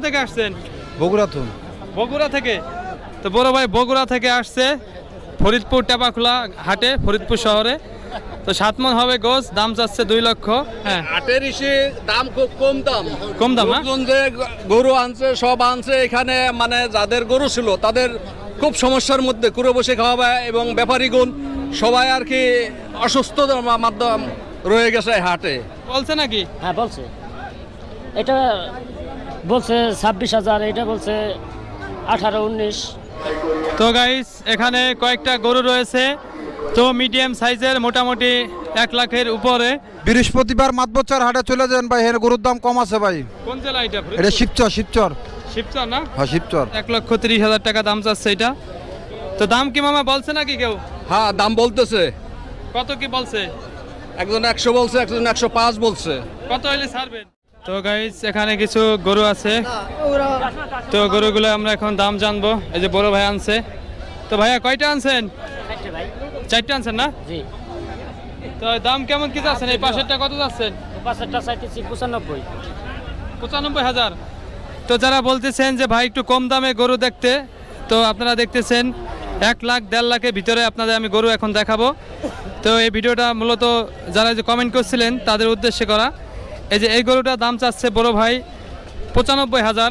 থেকে আসছেন? বগুড়া তো। বগুড়া থেকে। তো বড় ভাই বগুড়া থেকে আসছে ফরিদপুর টেপাখোলা হাটে, ফরিদপুর শহরে। তো 7 মণ হবে গোস, দাম চাচ্ছে 2 লক্ষ। হ্যাঁ, হাটের ইসে দাম খুব কম দাম। কম দাম না? লোকজন যে গরু আনছে সব আনছে এখানে, মানে যাদের গরু ছিল তাদের খুব সমস্যার মধ্যে কুড়ে বসে খাওয়াবে, এবং ব্যাপারীগণ সবাই আর কি অসুস্থ মাধ্যম রয়ে গেছে হাটে। বলছে নাকি? হ্যাঁ বলছে, এটা বলছে 26,000, এটা বলছে 18-19। তো গাইস এখানে কয়েকটা গরু রয়েছে, তো মিডিয়াম সাইজের, মোটামুটি 1 লাখের উপরে। বৃহস্পতিবার মাতবচ্চার হাটে চলে যান ভাই, এর গরুর দাম কম আছে ভাই। কোন জেলা এটা? এটা শিবচর। শিবচর শিবচর না? হ্যাঁ শিবচর। 1,30,000 টাকা দাম চাচ্ছে এটা। তো দাম কি মামা বলছে নাকি কেউ? হ্যাঁ দাম বলতেছে, কত কি বলছে? একজন 100 বলছে, একজন 105 বলছে। কত হইলে ছাড়বেন? তো গাইস এখানে কিছু গরু আছে, তো গরুগুলো আমরা এখন দাম জানবো। এই যে বড় ভাই আনছে। তো ভাইয়া কয়টা আনছেন? 4টা আনছেন না? জি। তো দাম কেমন কি যাচ্ছেন? এই পাশেরটা কত যাচ্ছেন? পাঁচটা চাইতেছি 95। 95,000। তো যারা বলতেছেন যে ভাই একটু কম দামে গরু দেখতে, তো আপনারা দেখতেছেন 1 লাখ 1.5 লাখের ভিতরে আপনাদের আমি গরু এখন দেখাবো। তো এই ভিডিওটা মূলত যারা যে কমেন্ট করছিলেন তাদের উদ্দেশ্যে করা। এই যে এই গরুটার দাম চাচ্ছে বড় ভাই 95,000।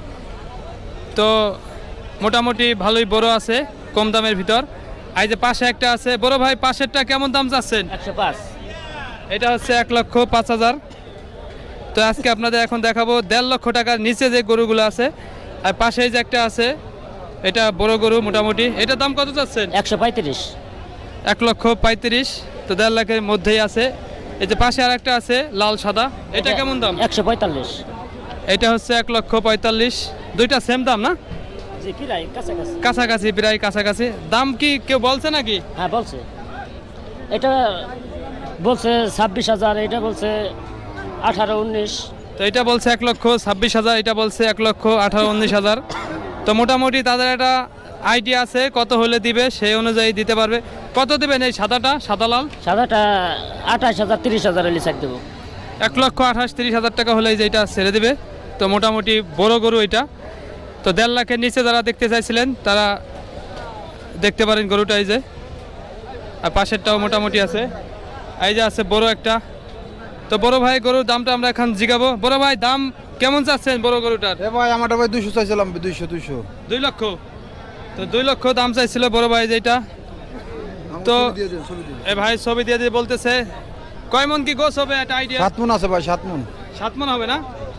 তো মোটামুটি ভালোই বড় আছে, কম দামের ভিতর। এই যে পাশে একটা আছে বড় ভাই, পাশেরটা কেমন দাম চাচ্ছেন? 105। এটা হচ্ছে 1,05,000। তো আজকে আপনাদের এখন দেখাবো 1.5 লক্ষ টাকার নিচে যে গরুগুলো আছে। আর পাশে যে একটা আছে, এটা বড় গরু মোটামুটি। এটার দাম কত চাচ্ছেন? 135। 1,35,000। তো 1.5 লাখের মধ্যেই আছে। এই যে পাশে আর একটা আছে লাল সাদা, এটা কেমন দাম? 145। এটা হচ্ছে 1,45,000। দুইটা সেম দাম না? জি, প্রায় কাছাকাছি। কাছাকাছি, প্রায় কাছাকাছি। দাম কি কেউ বলছে নাকি? হ্যাঁ বলছে, এটা বলছে 26,000, এটা বলছে 18-19। তো এটা বলছে 1,26,000, এটা বলছে 1,18,000-19,000। তো মোটামুটি তাদের একটা আইডিয়া আছে কত হলে দিবে, সেই অনুযায়ী দিতে পারবে। কত দিবেন এই সাদাটা, সাদা লাল? সাদাটা 28,000 30,000 হলে চাক দেবো। 1,28,000-30,000 টাকা হলে যে এটা ছেড়ে দিবে। তো মোটামুটি বড় গরু এটা। তো 1.5 লাখের নিচে যারা দেখতে চাইছিলেন তারা দেখতে পারেন গরুটা। এই যে আর পাশেরটাও মোটামুটি আছে। এই যে আছে বড় একটা। তো বড় ভাই গরুর দামটা আমরা এখন জিগাবো। বড় ভাই দাম কেমন চাচ্ছেন বড় গরুটার? এ ভাই আমারটা ভাই 200 চাইছিলাম, 200। 2 লক্ষ। তো 2 লক্ষ দাম চাইছিল বড় ভাই যেটা। তো এ ভাই ছবি দিয়ে দিয়ে বলতেছে কয় মন কি গোস হবে একটা আইডিয়া? 7 মণ আছে ভাই, 7 মণ। 7 মণ হবে না?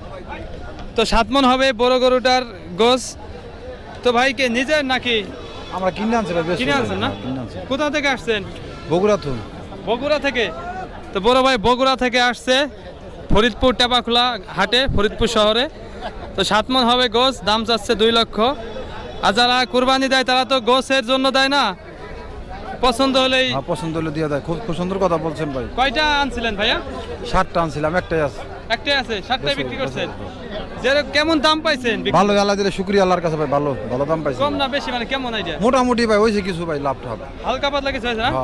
তো 7 মণ হবে বড় গরুটার গোস। তো ভাই কে নিজের নাকি? আমরা কিনে আনছি ভাই, কিনে আনছেন না? কোথা থেকে আসছেন? বগুড়া তো। বগুড়া থেকে। তো বড় ভাই বগুড়া থেকে আসছে ফরিদপুর টেপাখোলা হাটে, ফরিদপুর শহরে। তো 7 মণ হবে গোস, দাম চাচ্ছে 2 লক্ষ। আর যারা কুরবানি দেয় তারা তো গোসের জন্য দেয় না, পছন্দ হলেই। হ্যাঁ পছন্দ হলে দিয়ে দেয়। খুব সুন্দর কথা বলছেন ভাই। কয়টা আনছিলেন ভাইয়া? 60টা আনছিলাম, একটাই আছে। একটাই আছে, 7টাই বিক্রি করছেন। যে কেমন দাম পাইছেন? ভালো, আল্লাহ দিলে শুকরিয়া আল্লাহর কাছে ভাই, ভালো ভালো দাম পাইছি। কম না বেশি, মানে কেমন আইডিয়া? মোটামুটি ভাই হয়েছে কিছু ভাই, লাভ ঠাপ। হালকা পাতলা কিছু হয়েছে না? হ্যাঁ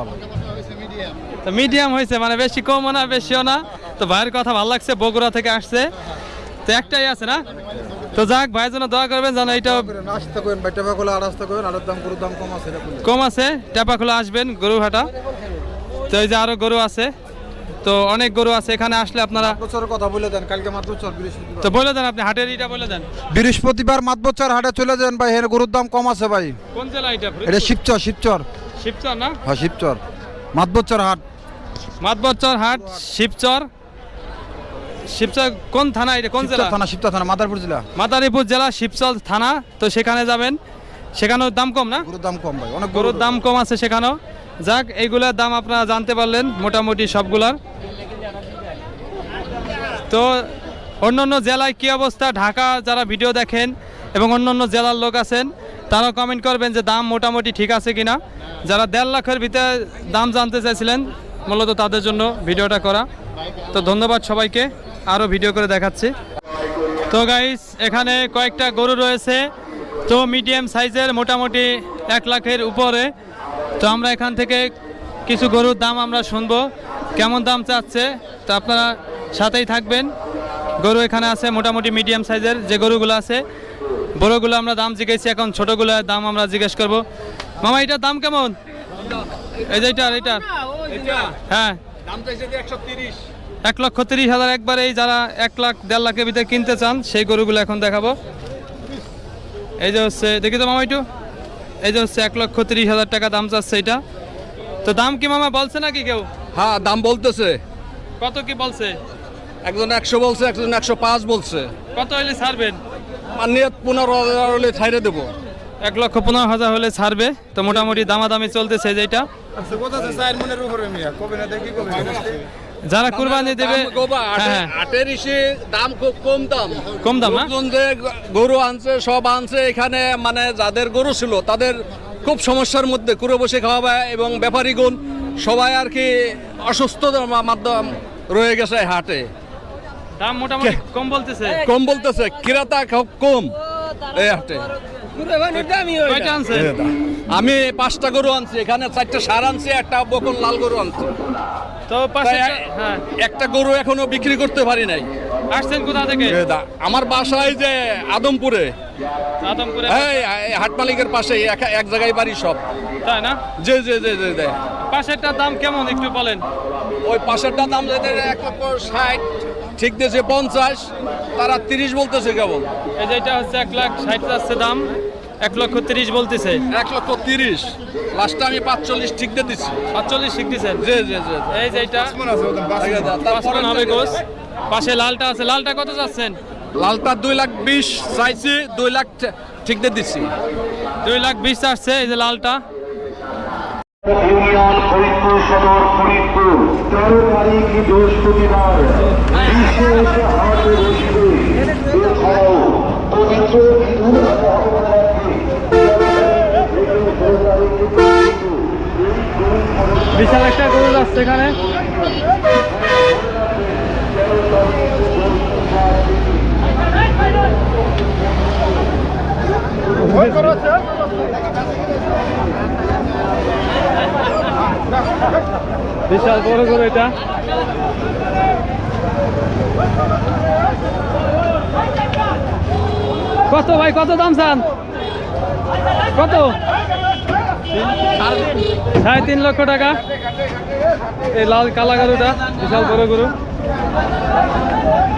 তো মিডিয়াম হয়েছে, মানে বেশি কমও না বেশিও না। তো ভাইয়ের কথা ভালো লাগছে, বগুড়া থেকে আসছে। তো একটাই আছে না? তো যাক, ভাইয়ের জন্য দোয়া করবেন যেন এইটা নাস্তা করেন ভাই, টেপাখোলা আর রাস্তা করেন, আর দাম গরুর দাম কম আছে। কম আছে। টেপাখোলা আসবেন গরু হাটা। তো এই যে আরো গরু আছে, তো অনেক গরু আছে এখানে আসলে আপনারা। মাতবচ্চারের কথা বলে দেন, কালকে মাতবচ্চার বৃহস্পতিবার। তো বলে দেন আপনি হাটের এটা বলে দেন। বৃহস্পতিবার মাতবচ্চার হাটে চলে যান ভাই, এর গরুর দাম কম আছে ভাই। কোন জেলা এটা? এটা শিবচর। শিবচর শিবচর না? হ্যাঁ শিবচর। মাতবচ্চার হাট। মাতবচ্চর হাট, শিবচর। শিবচর কোন থানা এটা, কোন জেলা? শিবচর থানা, মাদারীপুর জেলা। মাদারীপুর জেলা, শিবচর থানা। তো সেখানে যাবেন, সেখানেও দাম কম না? গরুর দাম কম ভাই, অনেক গরুর দাম কম আছে সেখানেও। যাক, এইগুলার দাম আপনারা জানতে পারলেন মোটামুটি সবগুলার। তো অন্যান্য জেলায় কী অবস্থা, ঢাকা যারা ভিডিও দেখেন এবং অন্যান্য জেলার লোক আছেন তারা কমেন্ট করবেন যে দাম মোটামুটি ঠিক আছে কিনা। যারা 1.5 লাখের ভিতরে দাম জানতে চাইছিলেন মূলত তাদের জন্য ভিডিওটা করা। তো ধন্যবাদ সবাইকে, আরও ভিডিও করে দেখাচ্ছি। তো গাইস এখানে কয়েকটা গরু রয়েছে, তো মিডিয়াম সাইজের, মোটামুটি 1 লাখের উপরে। তো আমরা এখান থেকে কিছু গরুর দাম আমরা শুনবো কেমন দাম চাচ্ছে। তো আপনারা সাথেই থাকবেন। গরু এখানে আছে মোটামুটি মিডিয়াম সাইজের যে গরুগুলো আছে। বড়গুলো আমরা দাম জিজ্ঞেসি, এখন ছোটগুলোর দাম আমরা জিজ্ঞেস করব। মামা এটার দাম কেমন? এই যে এটার হ্যাঁ দাম চাইছে 130। 1,30,000 একবারে। এই যারা 1 লাখ 1.5 লাখের ভিতরে কিনতে চান সেই গরুগুলো এখন দেখাবো। এই যে হচ্ছে, দেখি তো মামা একটু, এই যে হচ্ছে 1,30,000 টাকা দাম চাচ্ছে এটা। তো দাম কি মামা বলছে নাকি কেউ? হ্যাঁ দাম বলতেছে, কত কি বলছে? একজন 100 বলছে, একজন 105 বলছে। কত হলে ছাড়বেন? মানে 15,000 হলে ছাইড়ে দেবো। 1,15,000 হলে ছাড়বে। তো মোটামুটি দামাদামি চলতেছে যেটা। যারা কুরবানি দেবে হ্যাঁ আটের ইসে দাম খুব কম দাম। কম দাম না? লোকজন যে গরু আনছে সব আনছে এখানে, মানে যাদের গরু ছিল তাদের খুব সমস্যার মধ্যে, কুড়ে বসে খাওয়া এবং ব্যাপারীগণ সবাই আর কি অসুস্থ মাধ্যম রয়ে গেছে হাটে। দাম মোটামুটি কম বলতেছে। কম বলতেছে, ক্রেতা খুব কম এই হাটে। কয়টা আনছে? আমি 5টা গরু আনছি, এখানে 4টা ষাঁড় আনছি, একটা বকন লাল গরু আনছি। তো পাশে হ্যাঁ একটা গরু এখনো বিক্রি করতে পারি নাই। আসছেন কোথা থেকে? আমার বাসায় যে আদমপুরে, আদমপুরে। এই হাট মালিকের পাশে এক জায়গায় বাড়ি সব। তাই না? জি জি জি জি জি। পাশেরটার দাম কেমন একটু বলেন? ওই পাশেরটা দাম যেতে 1,60,000 ঠিক দিয়েছে 50, তারা 30 বলতেছে কেবল। এই যে এটা হচ্ছে 1,60,000 যাচ্ছে দাম, 1,30,000 বলতেছে। 1,30,000 লাস্টে আমি 45 ঠিক দিয়ে দিচ্ছি। 45 শিখতেছেন? জি জি জি। এই যে এটা 5 মণ হবে গোস। পাশে লালটা আছে, লালটা কত যাচ্ছেন? লালটা 2,20,000 চাইছি, 2 লাখ ঠিক দিয়ে দিচ্ছি। 2,20,000 আসছে এই যে লালটা। ইউনিয়ন ফরিদপুর সদর ফরিদপুর 13 তারিখ বৃহস্পতিবার বিশেষ হাট বসবে। এছাড়াও পবিত্র ঈদুল আজহা উপলক্ষে বিশাল একটা গরু যাচ্ছে এখানে। বিশাল বড় গরু এটা। কত ভাই, কত দাম চান? কত? 3.5 লক্ষ টাকা। এই লাল কালা গরুটা বিশাল বড় গরু।